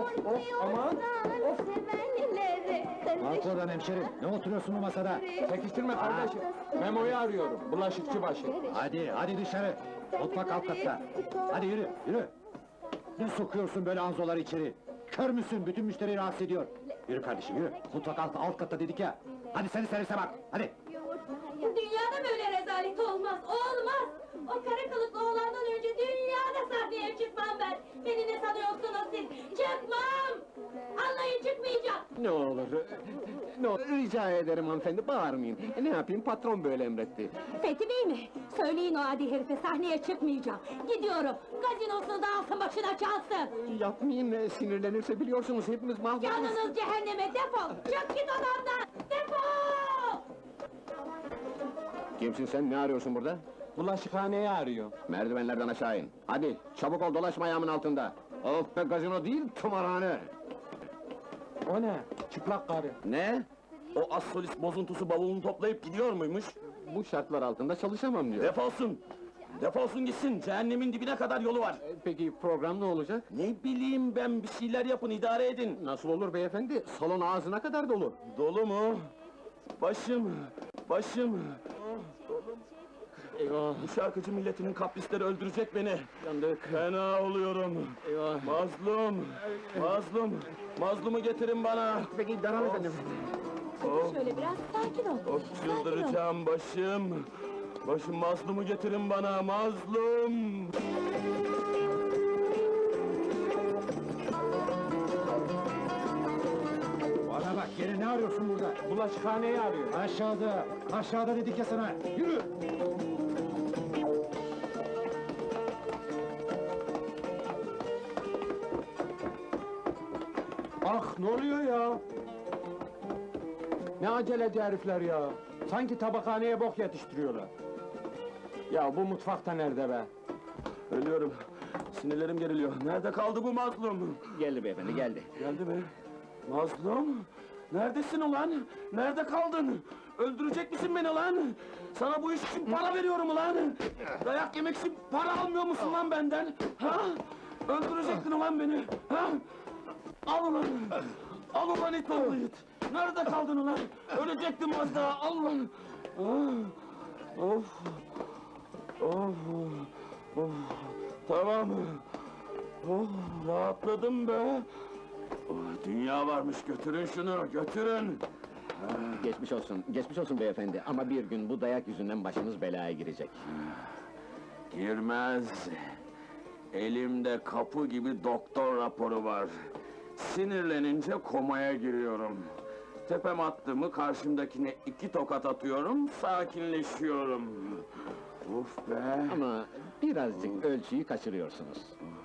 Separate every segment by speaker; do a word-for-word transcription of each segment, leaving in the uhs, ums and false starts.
Speaker 1: of, aman! Of!
Speaker 2: Kalk oradan hemşerim, ne oturuyorsun bu masada?
Speaker 1: Çekiştirme kardeşim, Memo'yu arıyorum, bulaşıkçı başı.
Speaker 2: Hadi, hadi dışarı! Mutfak alt katta! Hadi yürü, yürü! Ne sokuyorsun böyle anzoları içeri? Kör müsün, bütün müşteriyi rahatsız ediyor! Yürü kardeşim, yürü! Mutfak alt, alt katta dedik ya! Hadi seni servise bak, hadi!
Speaker 3: Dünyada böyle rezalet olmaz, olmaz! O kara kılıklı oğlandan önce dünyada sahneye çıkmam ben! Beni ne sanıyorsunuz siz? Çıkmam! Anlayın, çıkmayacağım!
Speaker 1: Ne olur, ne olur, rica ederim hanımefendi, bağırmayın. Ne yapayım, patron böyle emretti.
Speaker 3: Fethi Bey mi? Söyleyin o adi herife, sahneye çıkmayacağım! Gidiyorum, gazinosunu da alsın başına çalsın!
Speaker 1: Yapmayın, sinirlenirse biliyorsunuz hepimiz mahvoluruz.
Speaker 3: Canınız cehenneme, defol! Çık git odamdan! Defol!
Speaker 1: Kimsin sen, ne arıyorsun burada?
Speaker 4: Bulaşıkhaneyi arıyor.
Speaker 1: Merdivenlerden aşağı in. Hadi, çabuk ol, dolaşma ayağımın altında. Of be, gazino değil, tımarhane!
Speaker 4: O ne? Çıplak karı.
Speaker 1: Ne?
Speaker 5: O az solist bozuntusu bavulunu toplayıp gidiyor muymuş?
Speaker 1: Bu şartlar altında çalışamam diyor.
Speaker 5: Defolsun! Defolsun gitsin, cehennemin dibine kadar yolu var!
Speaker 1: E, Peki program ne olacak?
Speaker 5: Ne bileyim ben, bir şeyler yapın, idare edin!
Speaker 1: Nasıl olur beyefendi? Salon ağzına kadar dolu.
Speaker 5: Dolu mu? Başım, başım!
Speaker 1: Eyvah!
Speaker 5: Bu şarkıcı milletinin kaprisleri öldürecek beni!
Speaker 1: Yandık!
Speaker 5: Fena oluyorum!
Speaker 1: Eyvah!
Speaker 5: Mazlum! Mazlum! Mazlumu getirin bana!
Speaker 1: Peki devam efendim.
Speaker 5: Of,
Speaker 3: Şöyle biraz sakin ol!
Speaker 5: of çıldıracağım başım! Başım, mazlumu getirin bana, mazlum!
Speaker 2: Bana bak, gene ne arıyorsun burada?
Speaker 4: Bulaşıkhaneyi arıyor.
Speaker 2: Aşağıda, aşağıda dedik ya sana! Yürü!
Speaker 4: Ah, ne oluyor ya? Ne aceleci herifler ya! Sanki tabakhaneye bok yetiştiriyorlar. Ya bu mutfakta nerede be?
Speaker 5: Ölüyorum! Sinirlerim geriliyor. Nerede kaldı bu mazlum?
Speaker 1: Geldi beyefendi, geldi.
Speaker 5: Geldi mi? Mazlum! Neredesin ulan? Nerede kaldın? Öldürecek misin beni lan? Sana bu iş için para veriyorum ulan! Dayak yemek için para almıyor musun lan benden? Ha? Öldürecektin ulan beni! Ha? Al ulan! Al ulan it oğlu it! Nerede kaldın ulan? Ölecektim az daha, al ulan! Ah! Of! Of! Of! Tamam! Oh, rahatladım be! Oh, dünya varmış, götürün şunu, götürün!
Speaker 1: Geçmiş olsun, geçmiş olsun beyefendi. Ama bir gün bu dayak yüzünden başınız belaya girecek.
Speaker 5: Girmez! Elimde kapı gibi doktor raporu var. Sinirlenince komaya giriyorum. Tepem attı mı karşımdakine iki tokat atıyorum, sakinleşiyorum. Uf be!
Speaker 1: Ama birazcık ölçüyü kaçırıyorsunuz.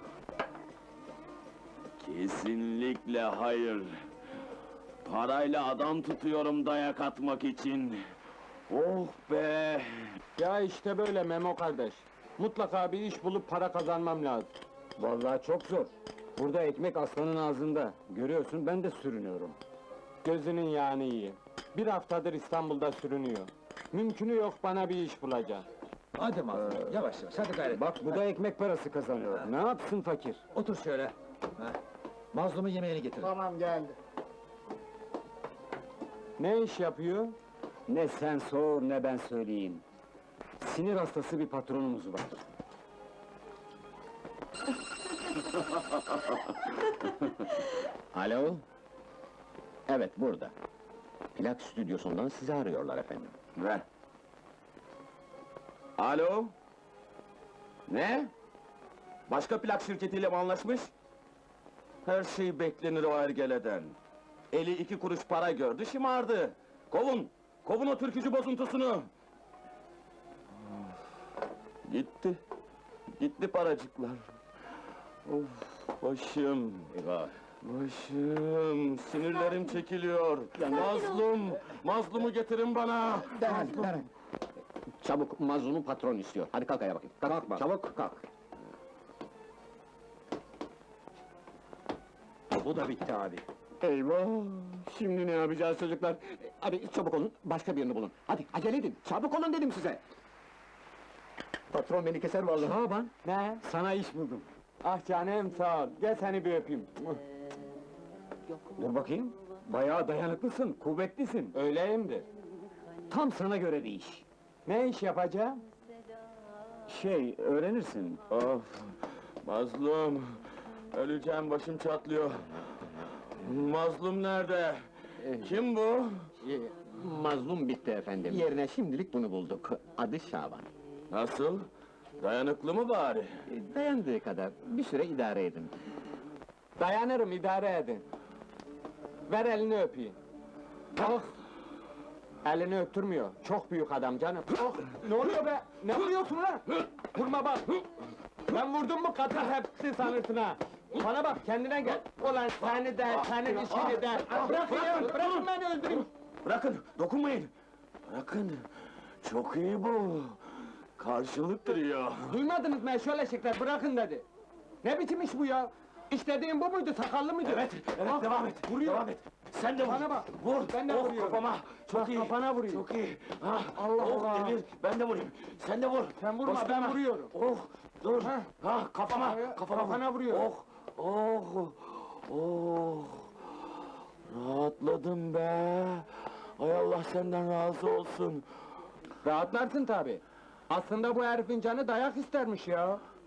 Speaker 5: Kesinlikle hayır! Parayla adam tutuyorum dayak atmak için! Oh be!
Speaker 4: Ya işte böyle Memo kardeş. Mutlaka bir iş bulup para kazanmam lazım.
Speaker 1: Vallahi çok zor. Burada ekmek aslanın ağzında. Görüyorsun, ben de sürünüyorum.
Speaker 4: Gözünün yağını iyi. Bir haftadır İstanbul'da sürünüyor. Mümkünü yok bana bir iş bulacak.
Speaker 2: Hadi mazlum, yavaş yavaş, hadi gayret!
Speaker 1: Bak, bu da ekmek parası kazanıyor. Ne yapsın fakir?
Speaker 2: Otur şöyle! Ha. Mazlumun yemeğini getir.
Speaker 4: Ne iş yapıyor?
Speaker 1: Ne sen sor, ne ben söyleyeyim. Sinir hastası bir patronumuz var. Alo? Evet, burada. Plak stüdyosundan sizi arıyorlar efendim.
Speaker 5: Ver! Alo? Ne? Başka plak şirketiyle mi anlaşmış? Her şey beklenir o ergeleden. Eli iki kuruş para gördü, şımardı. Kovun! Kovun o türkücü bozuntusunu! Gitti. Gitti paracıklar. Of, başım!
Speaker 1: Eyvah!
Speaker 5: Başım! Sinirlerim çekiliyor! Mazlum! Mazlumu getirin bana!
Speaker 2: Derhal, derhal!
Speaker 1: Çabuk, mazlumu patron istiyor. Hadi kalk ayağa bakayım. Kalk,
Speaker 2: Kalkma.
Speaker 1: çabuk kalk.
Speaker 2: Bu da bitti abi!
Speaker 1: Eyvah! Şimdi ne yapacağız çocuklar? Hadi çabuk olun, başka birini bulun. Hadi acele edin, çabuk olun dedim size! Patron beni keser vallahi.
Speaker 2: Şaban!
Speaker 4: Ne?
Speaker 2: Sana iş buldum!
Speaker 4: Ah canım sağ ol. Gel seni bir öpeyim.
Speaker 1: Dur bakayım. Bayağı dayanıklısın, kuvvetlisin.
Speaker 4: Öyleyimdir.
Speaker 1: Tam sana göre bir iş.
Speaker 4: Ne iş yapacağım?
Speaker 1: Şey, öğrenirsin.
Speaker 5: Of! Mazlum! Öleceğim, başım çatlıyor. Mazlum nerede? Kim bu?
Speaker 1: Ee, mazlum bitti efendim. Yerine şimdilik bunu bulduk. Adı Şaban.
Speaker 5: Nasıl? Dayanıklı mı bari?
Speaker 1: Ee, Dayandığı kadar, bir süre idare edin.
Speaker 4: Dayanırım, idare edin. Ver elini öpeyim. Oh! Elini öptürmüyor. Çok büyük adam canım. Oh! Ne oluyor be? Ne vuruyorsun lan? Vurma bak! Ben vurdum mu katır hepsi sanırsın ha! Bana bak, kendine gel! Ulan seni de, senin işini de! Bırakın ya, bırakın beni öldüreyim!
Speaker 5: Bırakın, dokunmayın! Bırakın! Çok iyi bu! Karşılık duruyor!
Speaker 4: Duymadınız mı şöyle şeyler, bırakın dedi! Ne biçim iş bu ya? İstediğin bu muydu, sakallı mıydı?
Speaker 5: Evet, evet,
Speaker 4: Ah,
Speaker 5: devam et!
Speaker 4: Vuruyor!
Speaker 5: Devam et! Sen de vur!
Speaker 4: Bana bak,
Speaker 5: Vur!
Speaker 4: ben de
Speaker 5: oh,
Speaker 4: vuruyorum.
Speaker 5: kafama! Çok
Speaker 4: Bak,
Speaker 5: iyi!
Speaker 4: kafana vuruyor.
Speaker 5: Çok iyi! Ah,
Speaker 4: Allah
Speaker 5: oh,
Speaker 4: Allah!
Speaker 5: Demir, ben de vurayım! Sen de vur!
Speaker 4: Sen vurma,
Speaker 5: Bastırma.
Speaker 4: ben vuruyorum.
Speaker 5: Oh, dur!
Speaker 4: Ha.
Speaker 5: Ha, kafama!
Speaker 4: Kafaya-
Speaker 5: Kafama,
Speaker 4: kafana
Speaker 5: vur.
Speaker 4: vuruyorum.
Speaker 5: Oh, oh, oh! Rahatladım be! Ay Allah senden razı olsun!
Speaker 4: Rahatlarsın tabi. Aslında bu herifin canı dayak istermiş ya.